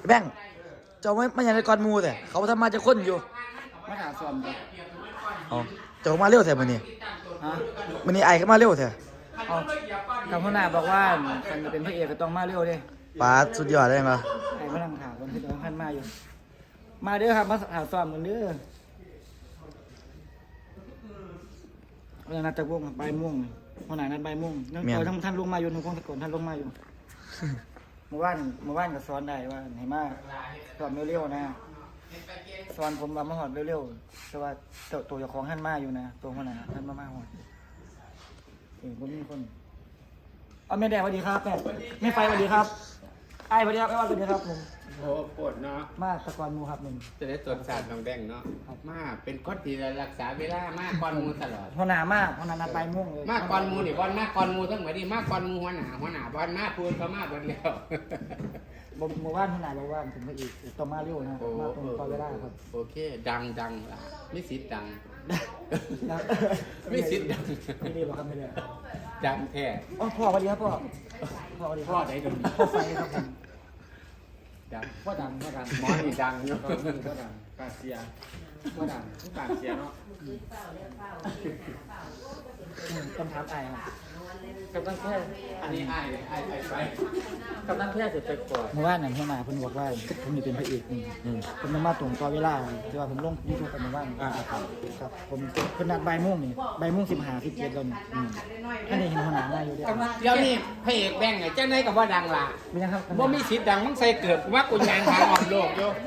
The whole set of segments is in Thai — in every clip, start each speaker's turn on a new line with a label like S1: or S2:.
S1: แบงค์เจ้าไม่ยังในกอนมูแต่เขาทำมาจะค้นอยู่
S2: มาหาซ้อมจ้ะ
S1: อ๋อเจ้ามาเร็วแท้มื้อนี้
S2: ฮะ
S1: มื้อนี้ไอ้เข้ามาเร็วแท้
S2: เอากับหัวหน้าบอกว่าคันจะเป็นพระเอกก็ต้องมาเร็วเด้
S1: ปาดสุดยอดเลยเหรอ
S2: ไอ้มานั่งถามคนที่ต้องขั้นมาอยู่มาเด้อครับมาหาซ้อมกันเด้อเวลานัดจะวงบ่ายโมงหัวหน้านัดบ่ายโมงทั้งท่านลงมาอยู่ทั้งคงตะโกนท่านลงมาอยู่เมื่อวานก็สอนได้ว่าให้มาสอนเร็วๆนะสอนผมว่ามาหอดเร็วๆแต่ว่าตัวเจ้าของท่านมาอยู่นะตัวหัวหน้าท่านมาหอดผมมีคนเอาแม่แดงสวัสดีครับแม่ไฟสวัสดีครับไอ้สวัสดีครับไอ้วันสวัสดีครับผม
S3: โอ้ปวดเนาะ
S2: มาตะกอนมูครับหนึ่ง
S3: จะได้ตรวจสารน้องแดงเนาะมาเป็นคนที่รักษาเวลามากก่อนมูตลอด
S2: หัวหน้ามากหัวหน้านัดไปม่วงเลย
S3: มากก่อนมูนี่บอลมากก่อนมูทั้งหมดนี่มากก่อนมูหัวหน้าบอลมากพูดก็มากบอลแล้ว
S2: เมื่อวานหัวหน้าบอกว่าถึงมาอีกต้องมาเร็วนะมาตรงตอนเวลาครับ
S3: โอเคดังล่ะมิสิทธิ์ดังมิสิทธิ์ดัง
S2: ไม่ดีบอกครับไม่ดี
S3: ดังแท้
S2: อ๋อพ่อสวัสดีครับพ่อสวัสดีพ่อไหนดูพ่อไฟครับผม
S3: ดัง
S2: พ่อดัง
S3: หมอนี่ดังเนาะ
S2: พ่อดัง
S3: กาเซีย
S2: พ่อดัง
S3: ทุกกาเซียเนาะ
S2: คำถามไอ้ครับกำลังแค่
S3: อันนี้ไอ้ไป
S2: กำลังแค่เสร็จไปก่อนเมื่อวานนั่นเข้ามาเพิ่นบอกว่าผมจะเป็นพระเอกผมจะมาตรงต่อเวลาที่ว่าผมลงยูทูบกันเมื่อวานครับผมเพิ่นนัดบ่ายโมงนี่บ่ายโมง15 17แล้วนี่อันนี้เห็นหัวหน้ามาอยู่เด้
S3: เดี๋ยวนี้พระเอกแบงค์ไงจังได๋ก็บ่ดังล่ะ
S2: เป็นยังครับ
S3: บ่มีสิทธิ์ดังมึงใส่เกิดว่ากูยางทางออกโลกอยู่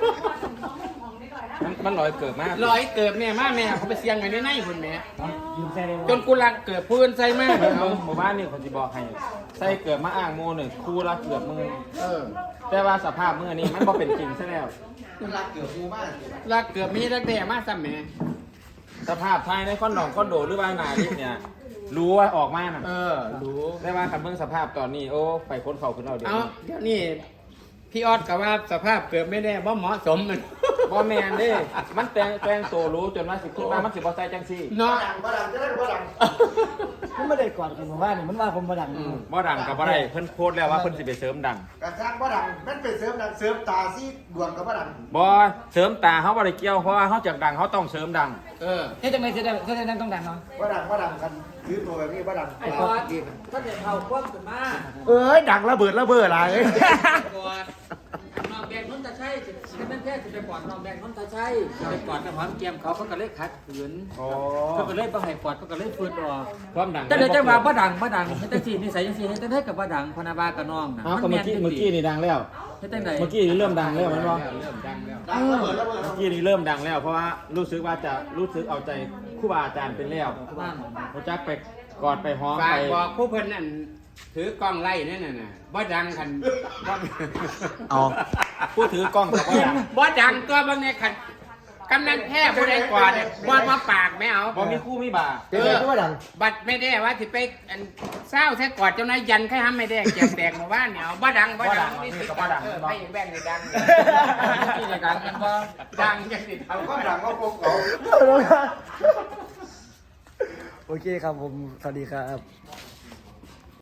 S1: มันลอยเกิดมาก
S3: ลอยเกิดแม่มาแม่เขาไปเสียงไว้ในพุ่นแม่
S2: ยืมใส่ได้
S3: จนกูรักเกิดพื้นใส่มา
S1: เอาหมู่บ้านนี่คนสิบอกให้ใส่เกิดมาอ้างโม1คู่ละเกือบมือแต่ว่าสภาพมื้อนี้มันบ่เป็นจริงซะแล้ว
S3: รักเกิดหมู่บ้านรักเกิดมีรักแด่มาซ้ำแม่
S1: สภาพภายในคอนโดหรือว่าหน้าลิฟต์เนี่ยรู้ว่าออกมาน่ะ
S3: รู้
S1: ได้ว่าคันเบิ่งสภาพตอนนี้โอ้ไปคนเข้าขึ้นเอาเดี๋
S3: ยวนี้พี่ออดกับว่าสภาพเกิดไม่ได้บ่เหมาะสมมัน
S1: บ่แม่นเด้มันแต่งตัวรู้จนว่าสิคิดว่ามันสิบ่ใส่จังซี่
S3: เนาะ
S2: บ่ดังจะได้บ่ดังผมไม่ได้กอดกันว่านี่มันว่าผมบ่ดัง
S1: บ่ดังก็บ่ได้เพิ่นโพสต์แล้วว่าเพิ่นสิไปเสริมดัง
S4: กระซังบ่ดังมันเป็นเสริมดังเสริมตาซี่ดวงก็บ่ดัง
S1: บ่เสริมตาเฮาบ่ได้เกี่ยวเพราะว่าเฮาจักดังเฮาต้องเสริมดัง
S2: เฮ็ดจังได๋เฮ็ดจังได๋ต้องดังเนาะ
S4: บ่ดังกันถือตัวแบบนี้บ่ดัง
S2: ไอ้กอดถ้าได้เข้าความขึ้นมา
S4: ดังระเบิดล่ะเอ้ย
S2: น้องแบงค์นนทชัยสิเป็นแท้สิไปกอดน้องแบงค์นนทชัยไปกอดกับหอมแก้มเขาก็เลยขัดขืนเขาก็เลยบ่ให้กอดเขาก็เลยฝืนออก
S1: ความดัง
S2: แต่เดี๋ยวจังว่าบ่ดังเฮ็ดจังซี่นิสัยจังซี่เฮ็ดจังได๋ก็บ่ดังพนาบากับน้องน่ะ
S1: มันเมื่อกี้นี่ดังแล้ว
S2: เฮ็ดจังได๋
S1: เมื่อกี้นี่เริ่มดังแล้วมันบ่
S3: เริ่มดังแล้ว
S4: ระเบิด
S1: เมื่อกี้นี่เริ่มดังแล้วเพราะว่ารู้สึกว่าจะรู้สึกเอาใจครูบาอาจารย์เป็นแล้วรู้จักไปกอดไปหอมไป
S3: บอกผู้เพิ่นนั่นถือกล้องไล่นั่นน่ะบ่ดังคัน
S1: เอาผู้ถือกล้องก็
S3: บ่ดังตัวบางเนี่ยคันกำนันแพ้ผู้ใดกว่าเนี่ยบ่มาปากไม่เอา
S1: บ่มีคู่มีบา
S4: บ่ดัง
S3: บัดไม่ได้ว่าสิไปเศร้าแท้กอดเจ้านายยันใครห้ามไม่ได้แจกแตกหมู่บ้านเนี่ยบ่ดัง
S1: นี่ก็บ่ดัง
S3: ไปแบ่งนี่ดัง
S2: นี่ดังกันบ่
S3: ดังจังสิ
S4: เอาก็ดังก็พวกเขา
S2: โอเคครับผมสวัสดีครับ